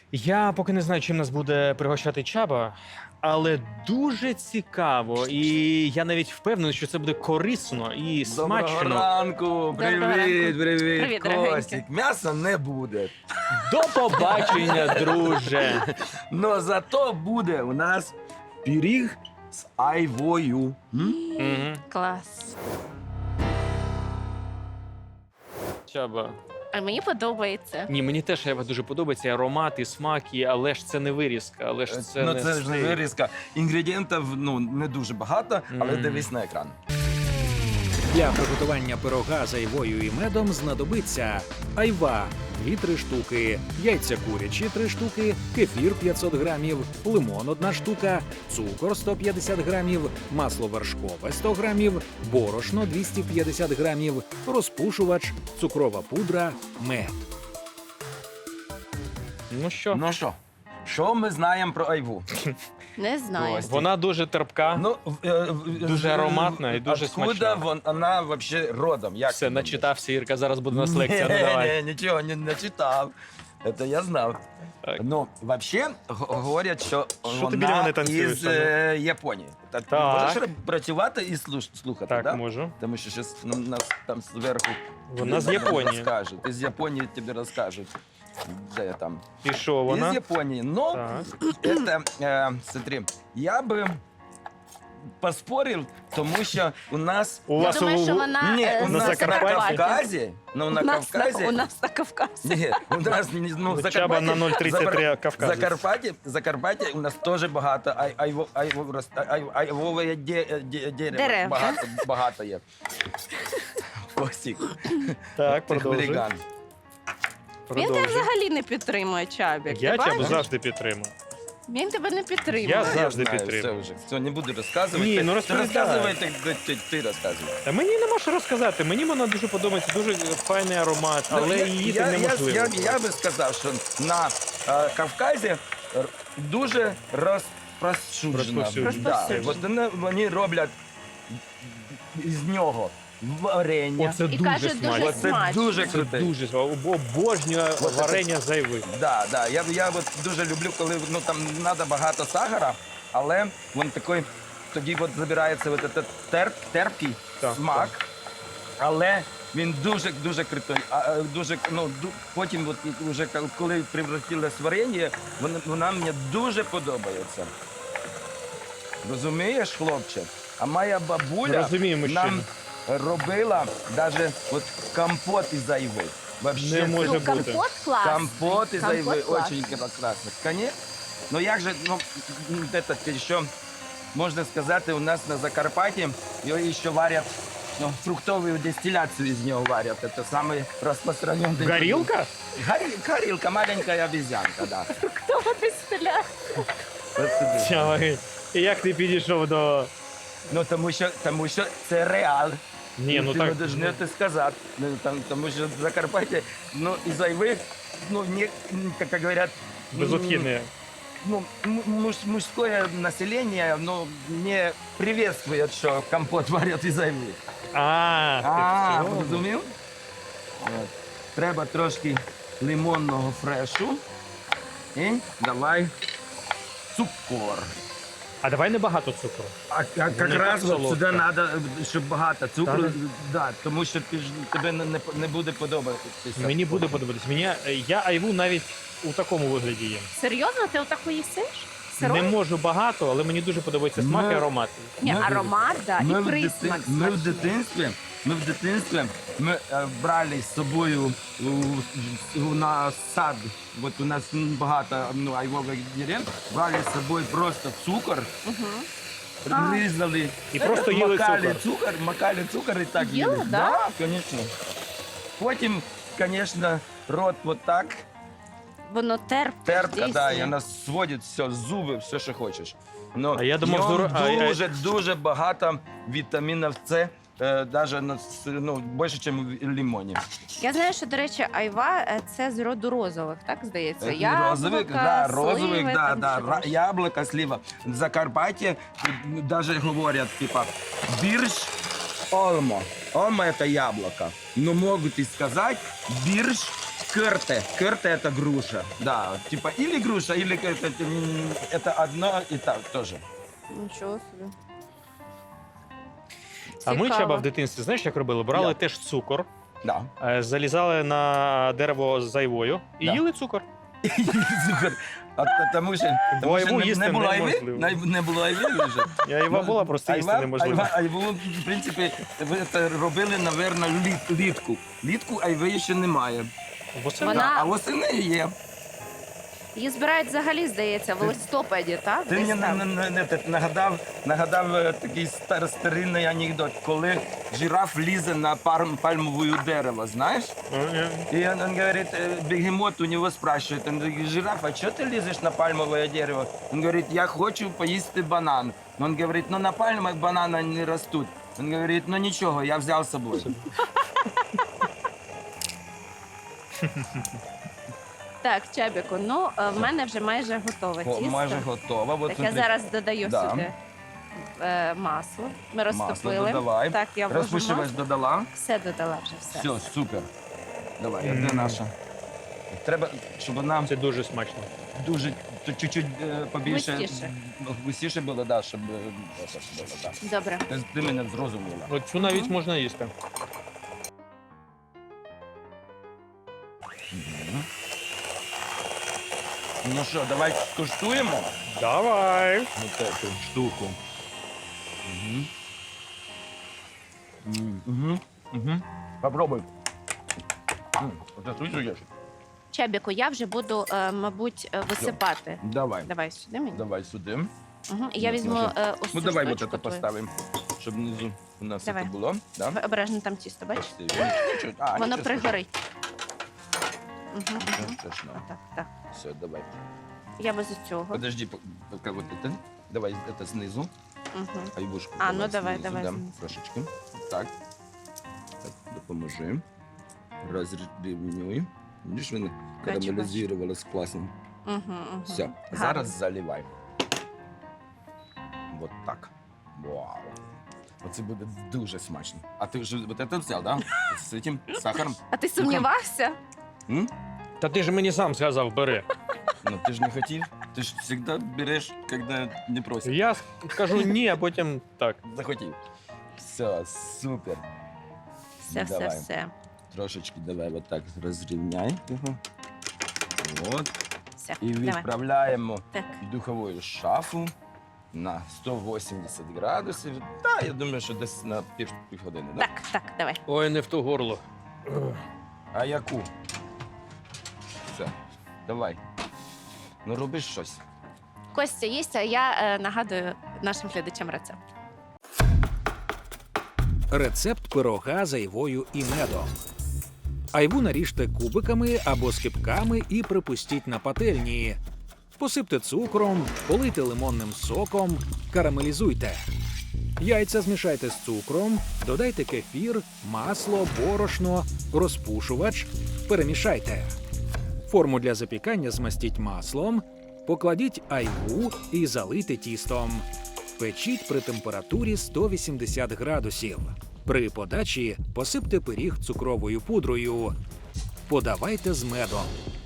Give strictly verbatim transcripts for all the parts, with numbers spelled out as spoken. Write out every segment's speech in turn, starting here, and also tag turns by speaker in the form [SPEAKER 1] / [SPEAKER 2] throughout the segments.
[SPEAKER 1] Я поки не знаю, чим нас буде пригощати Чаба, але дуже цікаво. І я навіть впевнений, що це буде корисно і
[SPEAKER 2] Доброго
[SPEAKER 1] смачно.
[SPEAKER 2] ранку, привіт,
[SPEAKER 3] Доброго ранку.
[SPEAKER 2] привіт,
[SPEAKER 3] Привіт,
[SPEAKER 2] Костік.
[SPEAKER 3] дорогенький.
[SPEAKER 2] М'яса не буде,
[SPEAKER 1] До побачення, друже.
[SPEAKER 2] но зато буде у нас пиріг з айвою. М?
[SPEAKER 1] Мгм.
[SPEAKER 3] Клас.
[SPEAKER 1] Чаба.
[SPEAKER 3] А мені подобається.
[SPEAKER 1] Ні, мені теж Ева дуже подобається і аромат, і смак, і... але ж це не вирізка, але ж це
[SPEAKER 2] ну,
[SPEAKER 1] не
[SPEAKER 2] це ж не
[SPEAKER 1] стейк.
[SPEAKER 2] вирізка. Інгредієнтів ну, не дуже багато, але
[SPEAKER 1] Мгм.
[SPEAKER 2] дивись на екран.
[SPEAKER 4] Для приготування пирога з айвою і медом знадобиться айва – дві-три штуки, яйця курячі – три штуки, кефір – п'ятсот грамів, лимон – одна штука, цукор – сто п'ятдесят грамів, масло вершкове – сто грамів, борошно – двісті п'ятдесят грамів, розпушувач, цукрова пудра, мед.
[SPEAKER 1] Ну що,
[SPEAKER 2] Ну що, що ми знаємо про айву?
[SPEAKER 3] Не знаю.
[SPEAKER 2] Ось.
[SPEAKER 1] вона дуже терпка.
[SPEAKER 2] Ну, в- е, в-
[SPEAKER 1] Дуже
[SPEAKER 2] в-
[SPEAKER 1] ароматна і дуже
[SPEAKER 2] откуда
[SPEAKER 1] смачна.
[SPEAKER 2] вон- вона взагалі родом? Як
[SPEAKER 1] Все,
[SPEAKER 2] ти думаєш?
[SPEAKER 1] начитався, Ірка, зараз буде у нас
[SPEAKER 2] Ні,
[SPEAKER 1] лекція. Ну, давай.
[SPEAKER 2] ні, нічого не, не читав. Це я знав.
[SPEAKER 1] Так.
[SPEAKER 2] Ну, взагалі, говорять, що
[SPEAKER 1] Що ти біля
[SPEAKER 2] вона
[SPEAKER 1] мене танцюєш,
[SPEAKER 2] із е, Японії. Та ти
[SPEAKER 1] Так.
[SPEAKER 2] можеш ре- працювати і слуш- слухати,
[SPEAKER 1] Так,
[SPEAKER 2] да?
[SPEAKER 1] можу.
[SPEAKER 2] Тому що щось нам- нас там зверху
[SPEAKER 1] Вона з Японії.
[SPEAKER 2] розкажуть. Із Японії тобі розкажуть. Де там?
[SPEAKER 1] І що вона?
[SPEAKER 2] Із Японії. Ну,
[SPEAKER 1] Так.
[SPEAKER 2] это, э, смотри, я би поспорив, тому що у нас...
[SPEAKER 1] У
[SPEAKER 3] Я
[SPEAKER 1] вас
[SPEAKER 3] думаю,
[SPEAKER 1] у...
[SPEAKER 3] що вона
[SPEAKER 2] Ні,
[SPEAKER 3] е,
[SPEAKER 2] у
[SPEAKER 3] з
[SPEAKER 2] нас на
[SPEAKER 3] Закарпаття.
[SPEAKER 2] Кавказі, ну на
[SPEAKER 3] У нас на-
[SPEAKER 2] Кавказі...
[SPEAKER 3] У нас на Кавказі.
[SPEAKER 2] Ні, у нас ну,
[SPEAKER 1] Ну,
[SPEAKER 2] Закарпаття...
[SPEAKER 1] Чаба на нуль тридцять три
[SPEAKER 2] Забар-
[SPEAKER 1] Кавказець.
[SPEAKER 2] Закарпаття, Закарпаття у нас теж багато ай, айво, айво, рос- ай, айвове де, де, дерево.
[SPEAKER 3] Дерев.
[SPEAKER 2] Багато, багато є. Костік.
[SPEAKER 1] Так,
[SPEAKER 2] ти
[SPEAKER 1] продовжуй.
[SPEAKER 2] хуліган.
[SPEAKER 3] Він тебе
[SPEAKER 1] Продовжуй.
[SPEAKER 3] взагалі не підтримує, Чабік.
[SPEAKER 1] Я
[SPEAKER 3] Ти
[SPEAKER 1] Чабу
[SPEAKER 3] бачиш?
[SPEAKER 1] завжди підтримую.
[SPEAKER 3] Він тебе не підтримує.
[SPEAKER 1] Я
[SPEAKER 2] Я
[SPEAKER 1] завжди
[SPEAKER 2] знаю,
[SPEAKER 1] підтримую.
[SPEAKER 2] все вже. Все, не буду розказувати.
[SPEAKER 1] Ні, ну
[SPEAKER 2] Ти
[SPEAKER 1] розповідай.
[SPEAKER 2] розказуй, ти, ти, ти, ти розказуй.
[SPEAKER 1] Та мені нема що розказати. Мені вона дуже подобається, дуже файний аромат,
[SPEAKER 2] Ну,
[SPEAKER 1] але
[SPEAKER 2] я-
[SPEAKER 1] її
[SPEAKER 2] я,
[SPEAKER 1] там
[SPEAKER 2] я,
[SPEAKER 1] неможливо.
[SPEAKER 2] я, я би сказав, що на е, Кавказі р- дуже розпространено.
[SPEAKER 1] Розповсюджено.
[SPEAKER 2] Да, от вони, вони роблять із нього варення.
[SPEAKER 1] Оце
[SPEAKER 3] І
[SPEAKER 1] дуже
[SPEAKER 3] каже, дуже
[SPEAKER 1] смачно.
[SPEAKER 2] Оце
[SPEAKER 3] смачно.
[SPEAKER 2] дуже
[SPEAKER 1] Це
[SPEAKER 2] круте.
[SPEAKER 1] дуже смачно. Об- Обожнюю
[SPEAKER 2] Оце
[SPEAKER 1] варення зайви.
[SPEAKER 2] Да, да. Я, я от дуже люблю, коли ну, там треба багато сахара, але він такий, тоді от забирається от этот терп, терпкий
[SPEAKER 1] Так,
[SPEAKER 2] смак, але він дуже дуже крутой. А, е, дуже, ну, ду- потім, от, і вже кол- коли превратилось в варення, вона, вона мені дуже подобається. Розумієш, хлопче? А моя бабуля
[SPEAKER 1] Розумію, мужчина.
[SPEAKER 2] нам робила навіть от компот із айви. Вообще,
[SPEAKER 1] Не може
[SPEAKER 3] Ну,
[SPEAKER 1] бути.
[SPEAKER 3] компот клас.
[SPEAKER 2] Компот из
[SPEAKER 3] Компот
[SPEAKER 2] айвы
[SPEAKER 3] класс.
[SPEAKER 2] очень классно. Конечно. Но як же, ну, м, этот еще, можно сказать, у нас на Закарпатье ее еще варят, ну, фруктовую дистилляцию из нее варят. Это самый распространенный...
[SPEAKER 1] Горілка?
[SPEAKER 2] Гори- Горилка, маленькая обезьянка, да.
[SPEAKER 3] Хто ти стріляє?
[SPEAKER 2] От сюди.
[SPEAKER 1] Чавай. І як ти підійшов до...
[SPEAKER 2] Ну, тому що, тому що це реал.
[SPEAKER 1] Ні, ну
[SPEAKER 2] ти
[SPEAKER 1] так...
[SPEAKER 2] не должен це сказати. Ну, там, тому що в Закарпатье, ну, із айви, ну, не, как говорят... м,
[SPEAKER 1] Безотхідне.
[SPEAKER 2] ну, м- муж- мужское население ну, не приветствует, что компот варять із айви.
[SPEAKER 1] А,
[SPEAKER 2] А,
[SPEAKER 1] ти в цьому?
[SPEAKER 2] зрозумів? От. Треба трошки лимонного фрешу. І давай цукор.
[SPEAKER 1] А давай не багато цукру.
[SPEAKER 2] А, а
[SPEAKER 1] Не
[SPEAKER 2] якраз
[SPEAKER 1] так
[SPEAKER 2] от сюди
[SPEAKER 1] солодка.
[SPEAKER 2] треба, щоб багато цукру,
[SPEAKER 1] Так?
[SPEAKER 2] да, тому що ти ж, тебе не, не, не буде подобатися.
[SPEAKER 1] Мені буде подобатись. Мені, я айву навіть у такому вигляді їм.
[SPEAKER 3] Серйозно, ти отаку їсиш?
[SPEAKER 1] Не
[SPEAKER 3] Сирою?
[SPEAKER 1] можу багато, але мені дуже подобається смак
[SPEAKER 2] Ми-
[SPEAKER 1] і аромат.
[SPEAKER 3] Ні,
[SPEAKER 2] Ми-
[SPEAKER 3] аромат, да,
[SPEAKER 2] Ми
[SPEAKER 3] і
[SPEAKER 2] в,
[SPEAKER 3] присмак.
[SPEAKER 2] дитин... ми в
[SPEAKER 3] смачний.
[SPEAKER 2] дитинстві, ми в дитинстві ми е, брали з собою у, у, на сад. От у нас м, багато ну, айвових дерев, брали з собою просто цукор,
[SPEAKER 3] А.
[SPEAKER 2] різали,
[SPEAKER 1] І просто їли
[SPEAKER 2] макали
[SPEAKER 1] цукор.
[SPEAKER 2] цукор, макали цукор і так
[SPEAKER 3] Їли,
[SPEAKER 2] їли.
[SPEAKER 3] да?
[SPEAKER 2] Да, звісно. Потім, звісно, рот вот так,
[SPEAKER 3] Воно терпке.
[SPEAKER 2] терпка, да, і
[SPEAKER 3] дійсно.
[SPEAKER 2] вона сводить все, зуби, все, що хочеш. Ну,
[SPEAKER 1] А я думав,
[SPEAKER 2] в ньому
[SPEAKER 1] здорово- а, а-
[SPEAKER 2] дуже, дуже багато вітамінів С, е, даже на, с- ну, більше, ніж в лимоні.
[SPEAKER 3] Я знаю, що, до речі, айва е, це з роду розових, так здається?
[SPEAKER 2] Е, розовик, да, розовик,
[SPEAKER 3] сливи,
[SPEAKER 2] да,
[SPEAKER 3] там
[SPEAKER 2] да,
[SPEAKER 3] що
[SPEAKER 2] ра-
[SPEAKER 3] там.
[SPEAKER 2] яблука, слива. В Закарпатті навіть говорять, типа, бірш, олмо. Олмо – це яблуко. Но можуть і сказати бірш, керте. Керте это груша. Да, типа или груша, или это, м, это одно и так тоже.
[SPEAKER 3] Нічого собі.
[SPEAKER 1] А ми,
[SPEAKER 3] Цікаво.
[SPEAKER 1] Чаба, в дитинстві, знаєш, як робили? Брали
[SPEAKER 2] Як?
[SPEAKER 1] теж цукор,
[SPEAKER 2] Да.
[SPEAKER 1] е, залізали на дерево з айвою і
[SPEAKER 2] Да.
[SPEAKER 1] їли цукор.
[SPEAKER 2] Цукор. А, а, тому що, тому
[SPEAKER 1] айву
[SPEAKER 2] що не,
[SPEAKER 1] їсти
[SPEAKER 2] не було айви,
[SPEAKER 1] неможливо.
[SPEAKER 2] не, не було айви вже.
[SPEAKER 1] І айва була, просто їсти
[SPEAKER 2] Айва-
[SPEAKER 1] неможливо.
[SPEAKER 2] Айва, айву, в принципі, ви це робили, напевно, літ, літку. Літку айви ще немає.
[SPEAKER 1] Восени.
[SPEAKER 3] Вона-
[SPEAKER 2] Да, а восени є.
[SPEAKER 3] Її збирають взагалі, здається, в листопаді, так?
[SPEAKER 2] Ти
[SPEAKER 3] Десь
[SPEAKER 2] мені
[SPEAKER 3] там.
[SPEAKER 2] на- на- на- на- нагадав, нагадав е, такий стар, старинний анекдот, коли жираф лізе на пар, пальмове дерево, знаєш?
[SPEAKER 1] Е,
[SPEAKER 2] И он, он говорит, э, бегемот у него спрашивает, он говорит, жираф, а что ты лезешь на пальмовое дерево? Он говорит, я хочу поесть банан. Он говорит, ну на пальмах бананы не растут. Он говорит, ну ничего, я взял с собой.
[SPEAKER 3] Так, Чабіку, ну е, в мене вже майже готове
[SPEAKER 2] О,
[SPEAKER 3] тісто.
[SPEAKER 2] майже готово. Вот
[SPEAKER 3] Так я
[SPEAKER 2] смотри,
[SPEAKER 3] зараз додаю
[SPEAKER 2] Да.
[SPEAKER 3] сюди е, масло. Ми
[SPEAKER 2] масло
[SPEAKER 3] розтопили.
[SPEAKER 2] додавай.
[SPEAKER 3] Так, я вложу
[SPEAKER 2] Розпушувач
[SPEAKER 3] масло.
[SPEAKER 2] додала.
[SPEAKER 3] Все додала вже, все.
[SPEAKER 2] Все, супер. Давай,
[SPEAKER 1] Мм.
[SPEAKER 2] де наша? Треба, щоб вона
[SPEAKER 1] Це дуже смачно.
[SPEAKER 2] дуже, то чуть-чуть е, побільше,
[SPEAKER 3] Густіше.
[SPEAKER 2] густіше було, да, щоб е, отак було, да.
[SPEAKER 3] Добре.
[SPEAKER 2] Ти, ти мене зрозуміла.
[SPEAKER 1] От цю навіть
[SPEAKER 3] Мгм.
[SPEAKER 1] можна їсти.
[SPEAKER 2] Мгм. Ну що, давай скуштуємо
[SPEAKER 1] Давай.
[SPEAKER 2] вот эту штуку. Угу. Угу. Угу. Попробуй. М, Оце слышиш?
[SPEAKER 3] Чабіку, я вже буду, е, мабуть, е, висипати.
[SPEAKER 2] Давай.
[SPEAKER 3] Давай сюди мені.
[SPEAKER 2] Давай сюди.
[SPEAKER 3] Угу. І я
[SPEAKER 2] Ну,
[SPEAKER 3] візьму
[SPEAKER 2] може.
[SPEAKER 3] е, ось
[SPEAKER 2] Ну
[SPEAKER 3] цю
[SPEAKER 2] давай вот
[SPEAKER 3] штучку
[SPEAKER 2] это
[SPEAKER 3] твою.
[SPEAKER 2] поставимо, щоб внизу у нас
[SPEAKER 3] Давай.
[SPEAKER 2] це було. Да?
[SPEAKER 3] Ви обережно там тісто, бачиш?
[SPEAKER 2] Красиво. Нічого- а,
[SPEAKER 3] Воно
[SPEAKER 2] нічого
[SPEAKER 3] пригорить. Угу,
[SPEAKER 2] страшного.
[SPEAKER 3] угу.
[SPEAKER 2] Нічого страшного.
[SPEAKER 3] Так, так.
[SPEAKER 2] Все, давай.
[SPEAKER 3] Я без цього.
[SPEAKER 2] Подожди, по- пока вот это. Давай это снизу.
[SPEAKER 3] Угу.
[SPEAKER 2] Айбушку.
[SPEAKER 3] А, ну давай,
[SPEAKER 2] знизу,
[SPEAKER 3] давай
[SPEAKER 2] да,
[SPEAKER 3] знизу.
[SPEAKER 2] трошечки. Так. Так, допоможи. Розрівнюй. Видиш, воно
[SPEAKER 3] Бачу,
[SPEAKER 2] карамелізувалось класно.
[SPEAKER 3] Угу, угу.
[SPEAKER 2] Все, зараз заливай. Вот так. Вау. Оце буде дуже смачно. А ти вже вот это взяв, да? З цим сахаром?
[SPEAKER 3] А ти сумнівався?
[SPEAKER 2] М?
[SPEAKER 1] Та ти ж мені сам сказав, бери.
[SPEAKER 2] Ну ти ж не хотів. Ти ж завжди береш, коли не просять.
[SPEAKER 1] Я кажу ні, а потім так.
[SPEAKER 2] Захотів. Все, супер.
[SPEAKER 3] Все, все,
[SPEAKER 2] Давай.
[SPEAKER 3] все.
[SPEAKER 2] Трошечки давай вот так розрівняй його. От.
[SPEAKER 3] Все,
[SPEAKER 2] І
[SPEAKER 3] давай.
[SPEAKER 2] відправляємо
[SPEAKER 3] Так.
[SPEAKER 2] в духову шафу на сто вісімдесят градусів. Та, я думаю, що десь на пів, півгодини. Да?
[SPEAKER 3] Так, так, давай.
[SPEAKER 1] Ой, не в ту горло.
[SPEAKER 2] А яку? Все, давай. Ну роби щось.
[SPEAKER 3] Костя їсть, а я е, нагадую нашим глядачам рецепт.
[SPEAKER 4] Рецепт пирога з айвою і медом. Айву наріжте кубиками або скибками і припустіть на пательні. Посипте цукром, полийте лимонним соком, карамелізуйте. Яйця змішайте з цукром, додайте кефір, масло, борошно, розпушувач, перемішайте. Форму для запікання змастіть маслом, покладіть айву і залийте тістом. Печіть при температурі сто вісімдесят градусів. При подачі посипте пиріг цукровою пудрою. Подавайте з медом.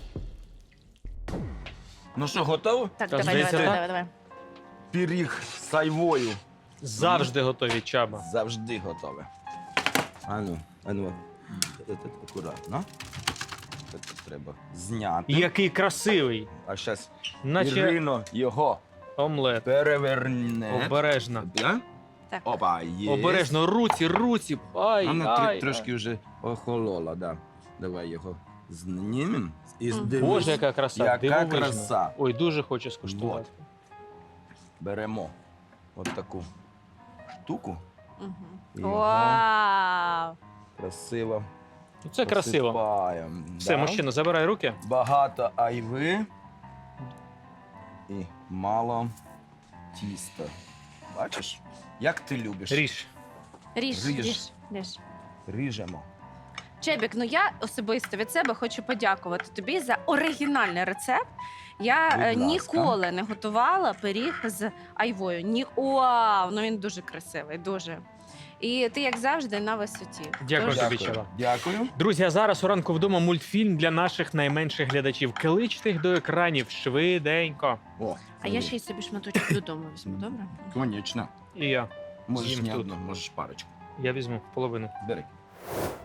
[SPEAKER 2] Ну що, готово?
[SPEAKER 3] Так,
[SPEAKER 1] Та,
[SPEAKER 3] давай, давай,
[SPEAKER 1] здається,
[SPEAKER 3] давай,
[SPEAKER 1] так.
[SPEAKER 3] давай, давай.
[SPEAKER 2] Пиріг з айвою.
[SPEAKER 1] Завжди готові, Чаба.
[SPEAKER 2] Завжди готове. А ну, а ну, це акуратно. Це треба зняти.
[SPEAKER 1] Який красивий.
[SPEAKER 2] А зараз
[SPEAKER 1] Наче
[SPEAKER 2] Ірино його
[SPEAKER 1] омлет.
[SPEAKER 2] переверне.
[SPEAKER 1] Обережно.
[SPEAKER 2] Да?
[SPEAKER 3] Так.
[SPEAKER 2] Опа, є.
[SPEAKER 1] Обережно, руці, руці. Ай,
[SPEAKER 2] Вона
[SPEAKER 1] ай,
[SPEAKER 2] тр-
[SPEAKER 1] ай.
[SPEAKER 2] трошки вже охолола, да. Давай його знімемо. І
[SPEAKER 3] Мгм.
[SPEAKER 2] дивись,
[SPEAKER 1] Боже, яка краса.
[SPEAKER 2] Яка
[SPEAKER 1] дивовижно.
[SPEAKER 2] краса.
[SPEAKER 1] Ой, дуже хочу скуштувати.
[SPEAKER 2] Беремо от таку штуку.
[SPEAKER 3] Угу.
[SPEAKER 2] Його
[SPEAKER 3] Вау!
[SPEAKER 2] красиво.
[SPEAKER 1] Ну, це красиво.
[SPEAKER 2] посипаємо.
[SPEAKER 1] Все,
[SPEAKER 2] Да.
[SPEAKER 1] мужчина, забирай руки.
[SPEAKER 2] Багато айви і мало тіста. Бачиш? Як ти любиш?
[SPEAKER 1] Ріж.
[SPEAKER 3] Ріж,
[SPEAKER 2] Ріж.
[SPEAKER 3] ріж, ріж.
[SPEAKER 2] Ріжемо.
[SPEAKER 3] Чебік, ну я особисто від себе хочу подякувати тобі за оригінальний рецепт. Я
[SPEAKER 2] Будь
[SPEAKER 3] е,
[SPEAKER 2] ласка.
[SPEAKER 3] ніколи не готувала пиріг з айвою. Ні... Вау, ну він дуже красивий, дуже. І ти, як завжди, на висоті.
[SPEAKER 1] Дякую
[SPEAKER 3] Тож,
[SPEAKER 1] тобі, Чаба.
[SPEAKER 2] Дякую.
[SPEAKER 1] Друзі, а зараз у ранку вдома мультфільм для наших найменших глядачів. Кличте їх до екранів швиденько.
[SPEAKER 2] О,
[SPEAKER 3] А я ще й собі шматочок додому візьму, добре?
[SPEAKER 2] Конечно.
[SPEAKER 1] І я.
[SPEAKER 2] Можеш
[SPEAKER 1] З'їм
[SPEAKER 2] не
[SPEAKER 1] тут.
[SPEAKER 2] одну, можеш парочку.
[SPEAKER 1] Я візьму половину.
[SPEAKER 2] Бери.